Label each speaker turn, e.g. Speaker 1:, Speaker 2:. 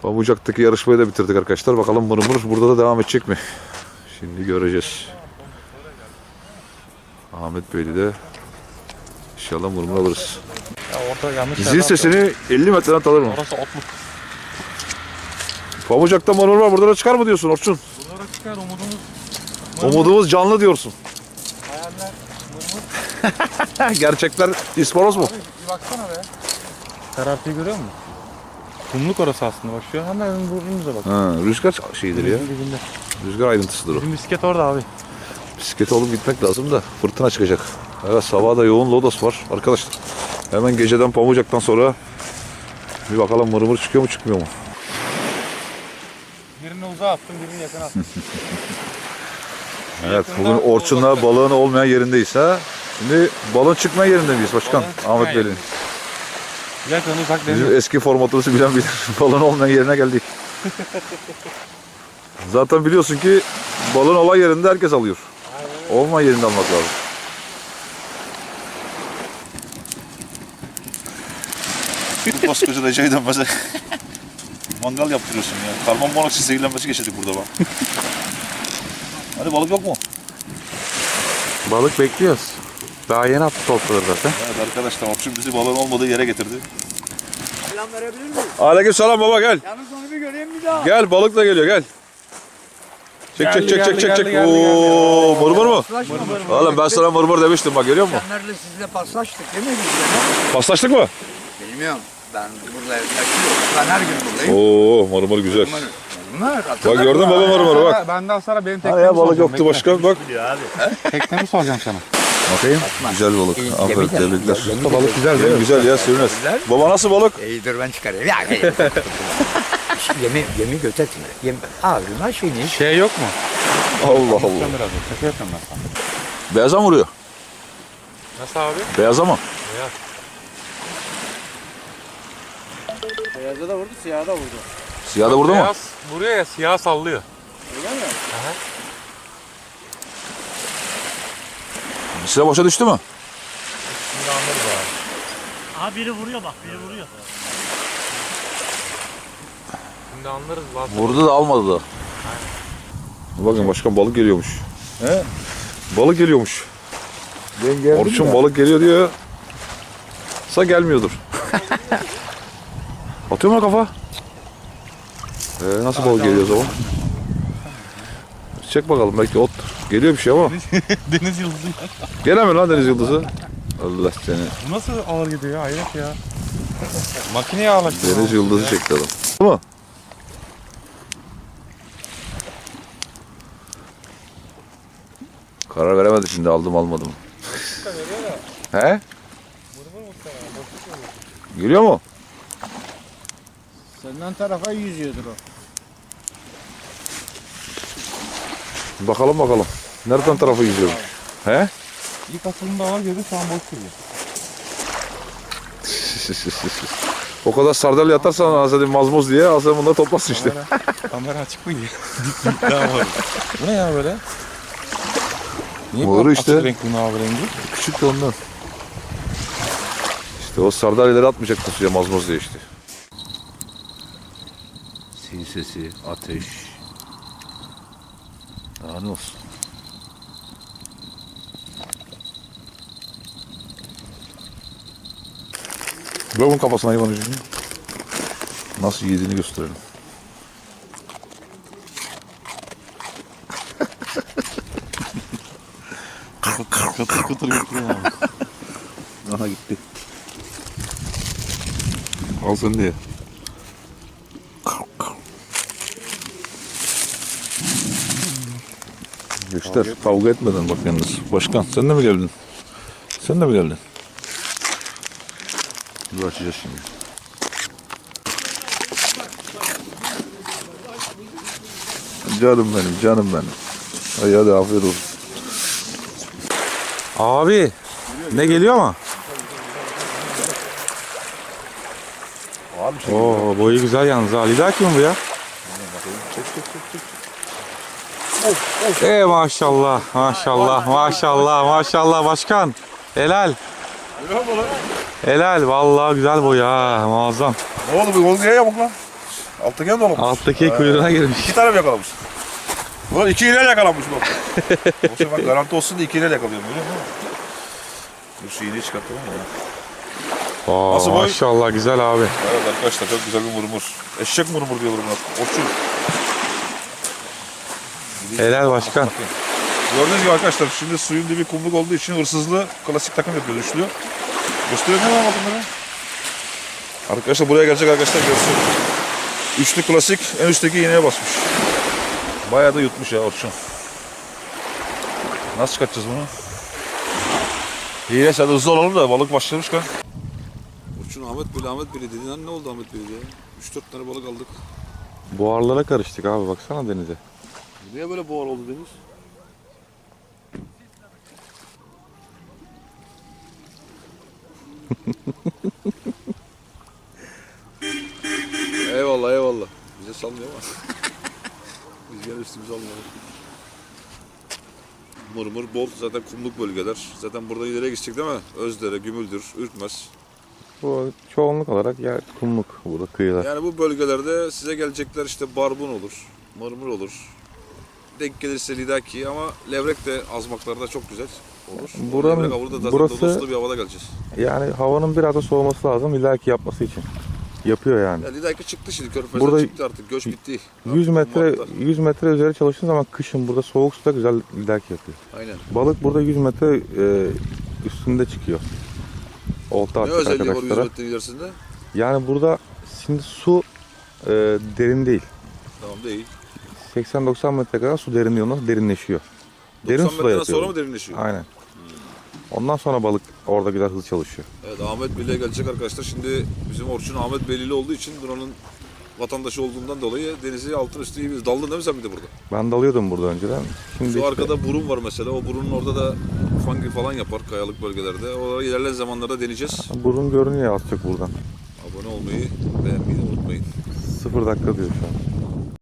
Speaker 1: Pamucak'taki yarışmayı da bitirdik arkadaşlar. Bakalım mırmır burada da devam edecek mi? Şimdi göreceğiz. Ahmet Bey'de de inşallah mırmır alırız. Zil sesini 50 metreden tanır mı?
Speaker 2: Orası otluk.
Speaker 1: Pamucak'ta mırmır var. Burada da çıkar mı diyorsun Orçun?
Speaker 2: Burada çıkar umudumuz.
Speaker 1: Umudumuz canlı diyorsun.
Speaker 2: Hayaller mırmır.
Speaker 1: Gerçekler isparoz mu?
Speaker 2: Abi bir baksana be. Karartıyı görüyor musun? Kumluk orası aslında bak şu an hemen burnumuza bak.
Speaker 1: Ha, rüzgar şeyidir ya.
Speaker 2: Dibinde.
Speaker 1: Rüzgar ayrıntısıdır o.
Speaker 2: Bizim bisiklet orada abi.
Speaker 1: Bisiklete alıp gitmek lazım da fırtına çıkacak. Evet, sabah da yoğun lodos var arkadaşlar. Hemen geceden Pamucak'tan sonra bir bakalım mırmır çıkıyor mu çıkmıyor mu?
Speaker 2: Birini uzağa attım, birini yakına attım.
Speaker 1: Evet, bugün Orçun'la balığın olmayan yerindeyiz ha. Şimdi balığın çıkmayan yerinde miyiz başkan? Ahmet Bey'in.
Speaker 2: Yakın uzak
Speaker 1: Bizim
Speaker 2: deniyor.
Speaker 1: eski formatımızı bilen bilir. Balığın olmayan yerine geldik. Zaten biliyorsun ki balığın olan yerinde herkes alıyor. Olmayan yerinde almak lazım. Koskoca Recai'den dönmese mangal yaptırıyorsun ya. Karbon monoksit zehirlenmesi geçirdik burada bak. Hadi balık yok mu?
Speaker 3: Balık bekliyoruz. Daha yeni attı topladı zaten.
Speaker 1: Evet arkadaşlar, Orçun bizi balığın olmadığı yere getirdi.
Speaker 4: Selam verebilir miyim?
Speaker 1: Aleykümselam baba, gel.
Speaker 4: Yalnız onu bir göreyim bir daha.
Speaker 1: Gel, balık da geliyor, gel. Çek çek çek çek çek çek.
Speaker 2: geldi.
Speaker 1: Oo, mırmır mı?
Speaker 4: Paslaşma mırmır.
Speaker 1: Oğlum ben sana mırmır demiştim bak, görüyor musun?
Speaker 4: Geçenlerde sizle paslaştık değil mi biz de?
Speaker 1: Paslaştık mı?
Speaker 4: Bilmiyorum. Ben burada yaşıyorum. Ben her gün buradayım.
Speaker 1: Oo, mırmır güzel.
Speaker 4: Mırmır.
Speaker 1: Bak gördün mü baba mırmırı bak.
Speaker 2: Benden sonra benim
Speaker 1: Hani
Speaker 2: teknemi
Speaker 1: ya balık
Speaker 2: soracağım.
Speaker 1: yoktu başka, bak.
Speaker 2: Teknemi soracağım sana.
Speaker 1: Bakayım. Güzel balık. Aferin, tebrikler.
Speaker 2: Balık güzel değil mi?
Speaker 1: Güzel ya, sürmez. Baba nasıl balık?
Speaker 4: İyidir ben çıkarayım. Ya, yemi götetme. Ağzına şeyini.
Speaker 2: Şey yok mu?
Speaker 1: Allah Allah.
Speaker 2: Biraz şaka yapıyorum ben sana.
Speaker 1: Beyaza mı vuruyor?
Speaker 2: Nasıl abi?
Speaker 1: Beyaza mı?
Speaker 5: Beyaza da vurdu, siyaha da vurdu.
Speaker 1: Siyah da vurdu mu?
Speaker 2: Beyaz vuruyor ya siyah sallıyor.
Speaker 5: Öyle mi?
Speaker 1: Size boşa düştü mü?
Speaker 2: Şimdi anlarız abi.
Speaker 6: Aha biri vuruyor bak, biri vuruyor.
Speaker 2: Şimdi anlarız lan.
Speaker 1: Vurdu da almadı da. Bakın başkan, balık geliyormuş. He? Balık geliyormuş. Orçun balık geliyor diyor. Sa gelmiyordur. Atıyor mu kafa? Nasıl balık geliyor o zaman? Çek bakalım, belki ot. Geliyor bir şey ama.
Speaker 2: Deniz yıldızı.
Speaker 1: Gelemiyor lan deniz yıldızı. Allah seni.
Speaker 2: Bu nasıl ağır gidiyor ya? Hayret ya. Makineye ağırlaştı.
Speaker 1: Deniz yıldızı çekti adam. Değil mi? Karar veremedim şimdi, aldım almadım. He? Geliyor mu?
Speaker 5: Senden tarafa yüzüyordur o.
Speaker 1: Bakalım bakalım. Nereden tarafı yüzüyor? He?
Speaker 2: İlk atılımda ağır girdi şu an boş duruyor.
Speaker 1: O kadar sardalya atarsan Azadin mazmuz diye Azadin bunları toplasın işte.
Speaker 2: Kamera açık mıydı? Daha var. Bu ne ya böyle? Niye
Speaker 1: Doğru
Speaker 2: bu
Speaker 1: işte.
Speaker 2: açık renk bunun abi rengi?
Speaker 1: Küçük de ondan. İşte o sardalyaları atmayacaktı suya mazmuz diye işte. Sil sesi, ateş. Daha ne olsun? Bırak bunun kafasına hayvanı şimdi. Nasıl yediğini gösterelim.
Speaker 2: Kıtır kıtır götürüyor abi.
Speaker 1: Aha gitti. Al sen de ye. Göster, kavga etmeden bak yalnız. Başkan, sen de mi geldin? Sen de mi geldin? Dur, açacağız şimdi. Canım benim, canım benim. Hadi afiyet olsun.
Speaker 2: Abi ne geliyor mu? Oo, boyu güzel yalnız ha. Lidaki mi bu ya? Maşallah, maşallah, maşallah, maşallah başkan. Helal. Helal, vallahi güzel boy ha, muazzam.
Speaker 1: Ne oldu bu? Niye yamuk lan? Alttaki de dolamış.
Speaker 3: Alttaki kuyruğuna girmiş.
Speaker 1: 2 tane mi yakalamış? Ulan 2 iğneyle yakalanmış bak. O zaman ben garanti olsun diye 2 iğneyle yakalıyorum biliyor musun? Dur şu iğneyi çıkartalım ya.
Speaker 3: Oo,
Speaker 1: Nasıl boy?
Speaker 3: maşallah güzel abi.
Speaker 1: Evet arkadaşlar çok güzel bir murmur. Eşek murmur diyorlar buna. Orçun.
Speaker 3: Helal başkan.
Speaker 1: Bakın. Gördüğünüz gibi arkadaşlar şimdi suyun dibi kumluk olduğu için hırsızlı klasik takım yapıyor üçlü. Gösteriyor mu lan bunları? Arkadaşlar buraya gelecek arkadaşlar görsün. Üçlü klasik en üstteki iğneye basmış. Bayağı da yutmuş ya Orçun. Nasıl çıkartacağız bunu? İyi hadi hızlı olalım da balık başlamışken. Orçun Ahmet Bey'le dedin lan ne oldu Ahmet Bey'le ya? 3-4 tane balık aldık.
Speaker 3: Buharlara karıştık abi baksana denize.
Speaker 1: Niye böyle boğar oldu deniz? eyvallah. Bize sallıyor ama. Biz gene üstümüze almayalım. Mırmır bol zaten kumluk bölgeler. Zaten burada ileriye gidecek değil mi? Özdere, Gümüldür, Ürkmez.
Speaker 3: Bu çoğunluk olarak yer kumluk burada kıyılar.
Speaker 1: Yani bu bölgelerde size gelecekler işte barbun olur, mırmır olur. Denk gelirse lidaki ama levrek de azmaklarda çok güzel olur.
Speaker 3: Buranın-
Speaker 1: Levrek avı da zaten
Speaker 3: burası-
Speaker 1: dolu bir havada geleceğiz.
Speaker 3: Yani havanın biraz da soğuması lazım illaki yapması için. Yapıyor yani.
Speaker 1: Ya lidaki çıktı şimdi Körfez'den
Speaker 3: Burada-
Speaker 1: çıktı artık göç bitti.
Speaker 3: 100 metre
Speaker 1: Mart'ta.
Speaker 3: 100 metre üzeri çalıştığın zaman kışın burada soğuk suda güzel illaki yapıyor.
Speaker 1: Aynen.
Speaker 3: Balık burada 100 metre üstünde çıkıyor. Olta
Speaker 1: Ne
Speaker 3: atacak
Speaker 1: özelliği var 100
Speaker 3: arkadaşlara.
Speaker 1: metrenin ilerisinde?
Speaker 3: Yani burada şimdi su derin değil.
Speaker 1: Tamam değil.
Speaker 3: 80-90 metre kadar su derinliği derinleşiyor. Derin
Speaker 1: 90
Speaker 3: suda
Speaker 1: metreden
Speaker 3: yatıyor.
Speaker 1: sonra mı derinleşiyor?
Speaker 3: Aynen. Ondan sonra balık orada güzel hızlı çalışıyor.
Speaker 1: Evet Ahmet Bey'le gelecek arkadaşlar. Şimdi bizim Orçun Ahmet Beyli'li olduğu için buranın vatandaşı olduğundan dolayı denizi altın üstü iyi bir daldın değil mi sen bir de burada?
Speaker 3: Ben dalıyordum burada önceden. Şimdi
Speaker 1: Şu
Speaker 3: işte
Speaker 1: arkada burun var mesela. O burunun orada da fungi falan yapar kayalık bölgelerde. Oraları ilerleyen zamanlarda deneyeceğiz.
Speaker 3: burun görünüyor az çok buradan.
Speaker 1: Abone olmayı, beğenmeyi de unutmayın.
Speaker 3: 0 dakika diyor şu an.